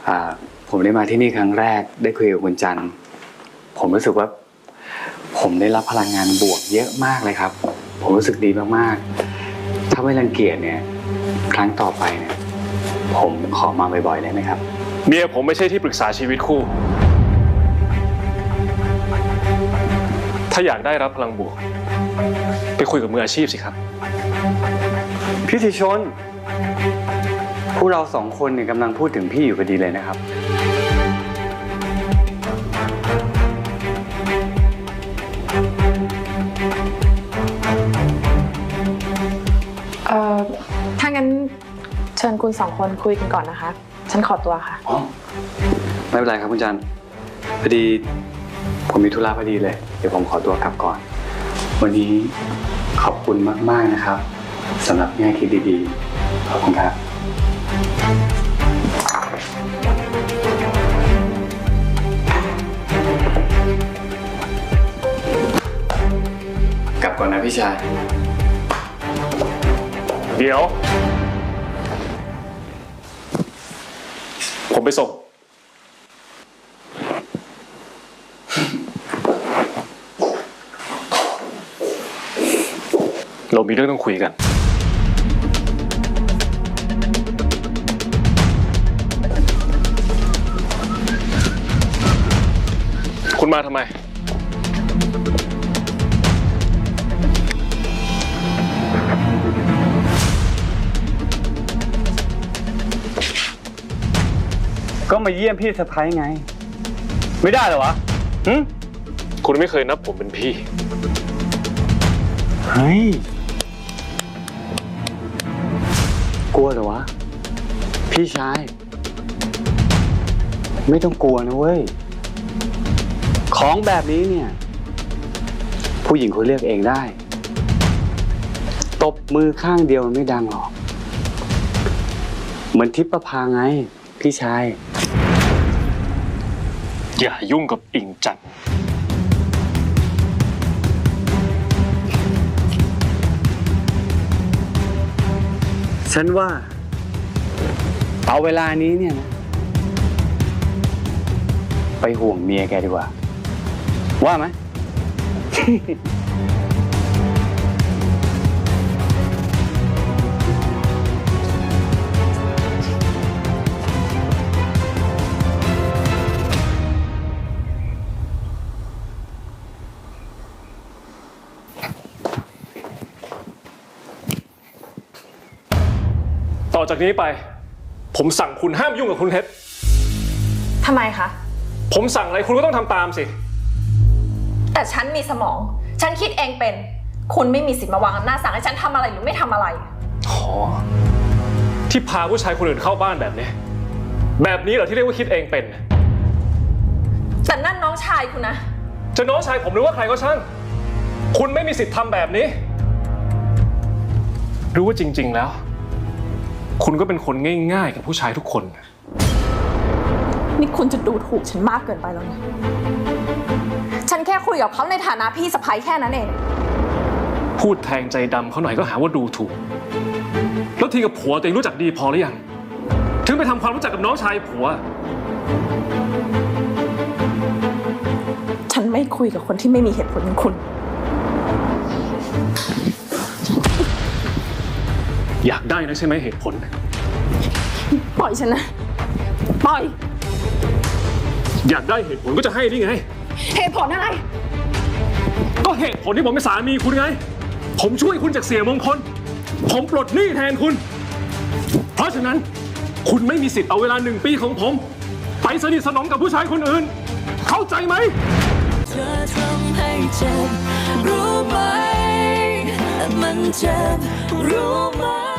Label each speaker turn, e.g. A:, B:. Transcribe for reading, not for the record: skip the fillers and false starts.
A: ผมได้มาที่นี่ครั้งแรกได้คุยกับคุณจันทร์ผมรู้สึกว่าผมได้รับพลังงานบวกเยอะมากเลยครับผมรู้สึกดีมากๆถ้าไม่รังเกียจเนี่ยครั้งต่อไปเนี่ยผมขอมาบ่อยๆได้ไหมครับ
B: เมียผมไม่ใช่ที่ปรึกษาชีวิตคู่ถ้าอยากได้รับพลังบวกไปคุยกับมืออาชีพสิครับ
A: พี่ธิชนพวกเราสองคนเนี่ยกำลังพูดถึงพี่อยู่พอดีเลยนะครับ
C: ถ้างั้นเชิญคุณสองคนคุยกันก่อนนะคะฉันขอตัวค่ะ
A: อ๋อไม่เป็นไรครับคุณจันทร์พอดีผมมีธุระพอดีเลยเดี๋ยวผมขอตัวกลับก่อนวันนี้ขอบคุณมากๆนะครับสำหรับแง่คิดดีๆขอบคุณครับกลับก่อนนะพี่ชาย
B: เดี๋ยวผมไปส่งเรามีเรื่องต้องคุยกันคุณมาทำไม
A: ก็มาเยี่ยมพี่สะพ้ายไงไม่ได้เหรอวะ
B: คุณไม่เคยนับผมเป็นพี่
A: เฮ้ยกลัวเหรอวะพี่ชายไม่ต้องกลัวนะเว้ยของแบบนี้เนี่ยผู้หญิงเขาเลือกเองได้ตบมือข้างเดียวมันไม่ดังหรอกเหมือนทิพย์ประภาไงพี่ชาย
B: อย่ายุ่งกับอิงจันทร์
A: ฉันว่าเอาเวลานี้เนี่ยนะไปห่วงเมียแกดีกว่าว่าไหม
B: ต่อจากนี้ไปผมสั่งคุณห้ามยุ่งกับคุณเพชร
C: ทำไมคะ
B: ผมสั่งอะไรคุณก็ต้องทำตามสิ
D: แต่ฉันมีสมองฉันคิดเองเป็นคุณไม่มีสิทธิ์มาวางอำนาจสั่งให้ฉันทำอะไรหรือไม่ทำอะไร
B: อ๋อที่พาผู้ชายคนอื่นเข้าบ้านแบบนี้เหรอที่เรียกว่าคิดเองเป็น
D: แต่นั่นน้องชายคุณนะ
B: จะน้องชายผมหรือว่าใครก็ช่างคุณไม่มีสิทธิ์ทำแบบนี้รู้ว่าจริงๆแล้วคุณก็เป็นคนง่ายๆกับผู้ชายทุกคน
D: นี่คุณจะดูถูกฉันมากเกินไปแล้วนะฉันแค่คุยกับเขาในฐานะพี่สะใภ้แค่นั้นเอง
B: พูดแทงใจดำเขาหน่อยก็หาว่าดูถูกแล้วทีกับผัวตัวเองรู้จักดีพอหรือยังถึงไปทำความรู้จักกับน้องชายผัว
D: ฉันไม่คุยกับคนที่ไม่มีเหตุผลอย่างคุณ
B: อยากได้นะใช่ไหมเหตุผล
D: ปล่อยฉันนะปล่อย
B: อยากได้เหตุผลก็จะให้นี่ไง
D: เหตุผลอะไร
B: ก็เหตุผลที่ผมเป็นสามีคุณไงผมช่วยคุณจากเสียมงคลผมปลดหนี้แทนคุณเพราะฉะนั้นคุณไม่มีสิทธิ์เอาเวลา1 ปีของผมไปสนิทสนมกับผู้ชายคนอื่นเข้าใจไหม
E: เธอทำให้เจ็บรู้ไหมมันเจ็บรู้ไหม